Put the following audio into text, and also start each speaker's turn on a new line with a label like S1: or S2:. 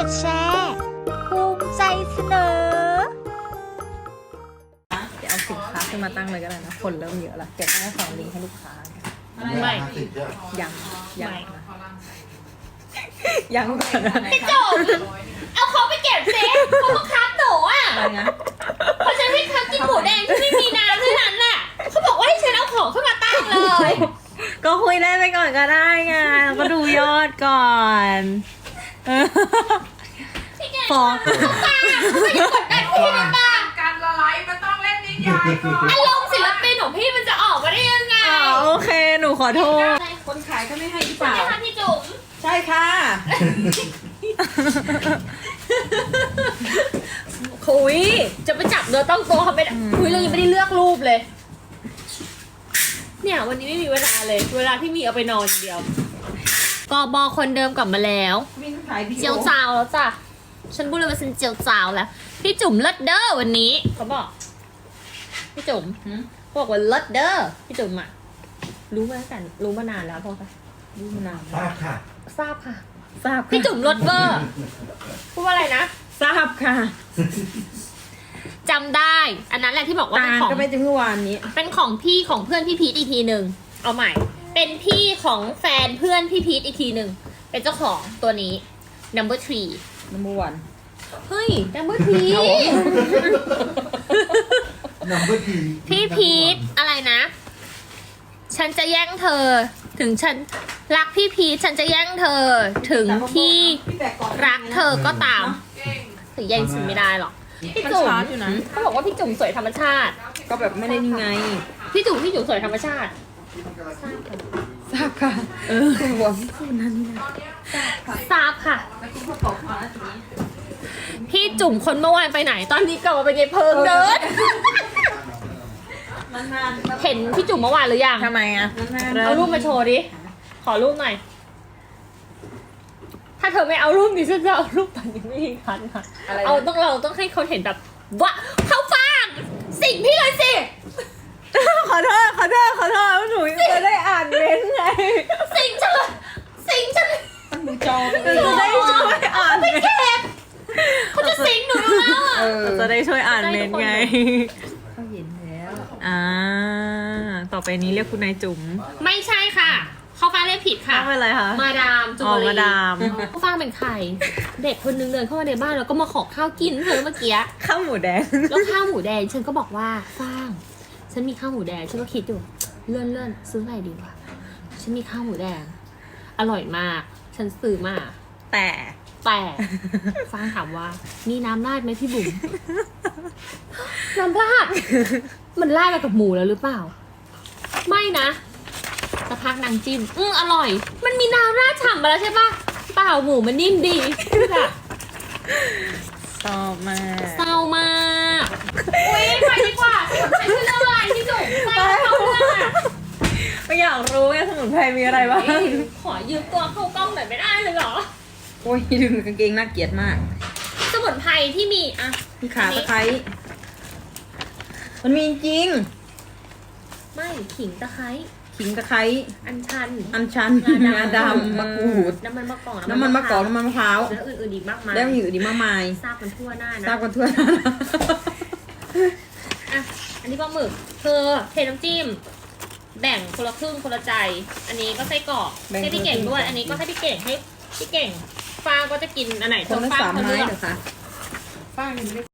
S1: ดแชร์ภูมิใจเสนอ
S2: เดี๋ยวเอาสินค้าขึ้นมาตั้งเลยก็ได้นะคนเริ่มเยอะละเก็บไว้สองลิงก์ให้ลูกค้า
S3: ไม่
S2: ยังยังก่อนนะ
S3: พี่จุ๋มเอาเขาไปเก็บเซฟเขาบังคับหนูอ่ะ
S2: อะไรนะ
S3: เพราะฉันให้เขากินหมูแดงที่ไม่มีน้ำเท่านั้นแหละเขาบอกว่าให้ฉันเอาของขึ้นมาตั้งเลย
S2: ก็คุยได้ไปก่อนก็ได้ไงเราก็ดูยอดก่อนฟ้อง
S3: ไม่ได้กดดันพี่นะบ้าง
S4: การละลายมันต้องเล่นนิยายก่อน
S3: อารมณ์ศิลปินของพี่มันจะออกมาได้ยังไง
S2: โอเคหนูขอโทษ
S5: คนขายก็ไม่ให้หรือเป
S3: ใช่
S5: ล่า
S3: ไหมคะพี่จุ๋ม
S5: ใช่ค่ะ
S3: คุยจะไปจับเนื้อต้องตัวเขาไม่ได้คุยเรายังไม่ได้เลือกรูปเลย เนี่ยวันนี้ไม่มีเวลาเลย เวลาที่มีเอาไปนอนอย่างเดียวกบคนเดิมกลับมาแล้ว
S5: วิ่งขายวิดี
S3: เจียว
S5: โอ
S3: จาวแล้วจ้ะฉันพูดเลยว่าฉันเจียวจาวแล้วพี่จุ๋มเลิศเด้อวันนี้เขาบอกพี่จุ๋มบอกว่าเลิศเด้อพี่จุ๋มอะรู้มาตั้งแต่รู้มานานแล้วพอปะ
S5: ดูมานาน
S4: ทราบค่ะ
S3: ทราบค่ะ
S2: ทราบ
S3: พี่จุ๋มเลิศเวอร์พูดว่าอะไรนะ
S2: ทราบค่ะ
S3: จำได้ อันนั้นแหละที่บอกว่า
S5: ตา
S3: เป็นของ
S5: ก็ไปถึงเมื่อวานนี้
S3: เป็นของพี่ของเพื่อนพี่พีทอีกทีหนึ่งเอาใหม่ เป็นพี่ของแฟนเพื่อนพี่พีทอีกทีหนึ่งเป็นเจ้าของตัวนี้ number 3
S5: number one
S3: เฮ้ย number 3
S4: นัมเบอร์ที
S3: พี่พีทอะไรนะ ฉันจะแย่งเธอ ถึงฉันรักพี่พีทฉันจะแย่งเธอ ถึงที่รักเธอก็ตามถึงแย่งฉันไม่ได้หรอกพี่จุ๋ม
S5: มันชาร์จอยู่นะ
S3: เขาบอกว่าพี่จุ๋มสวยธรรมชาติ
S5: ก็แบบไม่ได้นี่ไง
S3: พี่จุ๋มสวยธรรมชาติ
S5: ทราบค่ะคุณบอกพี่พูดนั่นนี่นะ
S3: ทราบค่ะ พี่จุ๋มคนเมื่อวานไปไหน ตอนนี้กลับมาเป็นยายเพิงเดิน
S5: นาน
S3: เห็นพี่จุ๋มเมื่อวานหรือยัง
S2: ทำไมอ่ะ
S5: นาน
S3: เอารูปมาโชว์ดิ ขอรูปหน่อย ถ้าเธอไม่เอารูปนี้ฉันจะเอารูปตอนนี้ไม่มีคันค่ะ เราต้องให้เขาเห็นแบบว่าเขาฟังสิ่งพี่เลยสิ
S2: ขอโทษหนูจะได้อ่านเม้นต์ไง
S3: สิ่งฉันเลยสิ่งฉันเลย
S5: ดูจอตัวเอ
S2: จะ
S5: ง
S2: ได้ช่วยอ่านเม้นต์
S3: เขาจะสิงหนูอยู่แล้วอ่ะ
S2: จะได้ช่วยอ่านเม้นต์ไง
S5: เขาเห็นแล้ว
S2: ต่อไปนี้เรียกคุณนายจุ๋ม
S3: ไม่ใช่ค่ะ เขาฟังเรียกผิดค่ะ
S2: ตั้งเป็นอะไรคะ
S3: มาดามจุ
S2: อ๋อ
S3: ลี
S2: มาดาม
S3: เขาฟังเป็นใคร เด็กคนนึงเดินเข้ามาในบ้านแล้วก็มาขอข้าวกินเธอเมื่อกี้
S2: ข้าวหมูแดง
S3: แล้วข้าวหมูแดงฉันก็บอกว่าฟ้างฉันมีข้าวหมูแดงฉันก็คิดอยู่เลื่อนซื้ออะไรดีวะฉันมีข้าวหมูแดง อร่อยมาก ฉันซื้อมา
S2: แต่
S3: แต่ฟ้างถามว่ามีน้ำราดไหมพี่บุ๋มน้ำราดมันราดมากับหมูแล้วหรือเปล่า ไม่นะสักพักนางจิ้มอร่อย มันมีน้ำราดฉ่ำมาแล้วใช่ปะเปล่าหมูมันนิ่มดีแบบ
S2: ชอบมาก
S3: เศร้ามากอุ้ยไปดีกว่าฉันคือเรื่องอะไรพี่จุ๋มไปเข้าเรื่องอะ
S2: ไม่อยากรู้ไงสมุนไพรมีอะไรบ้าง
S3: ขอยืมตัวเข้ากล้องหน่อยไม่ได้เลยเหรอ
S5: โอ้ยดึงกางเกงน่าเกลียดมาก
S3: สมุนไพรที่มีอะ
S5: มีขาตะไคร้มันมีจริง
S3: ไม่ขิงตะไคร้
S5: ขิงตะไคร้
S3: อัญชัน
S5: อัญชันงาดำมะกรูด
S3: น้ำมันมะกอก
S5: น้ำมันมะกอกน้ำมันมะพร้าว
S3: แล้วอื่นๆอีกมากมาย
S5: แล้วมีอยู่ดีมากมาย
S3: ทราบกันทั่วหน้านะ
S5: ทราบกันทั่วหน้า
S3: อ่ะอันนี้ปลาหมึกเธอเทน้ำจิ้ม แบ่งคนละครึ่งคนละใจ อันนี้ก็ไส้กรอกให้พี่เก่งด้วย อันนี้ก็ให้พี่เก่งให้พี่เก่งฟางก็จะกินอันไหนเธ
S5: คน
S3: อ
S5: ละ
S3: ฟาง
S5: 3
S3: เธอ
S5: ไม้
S3: เลือก
S5: เหรอคะ
S4: ป้ายังไม่ได้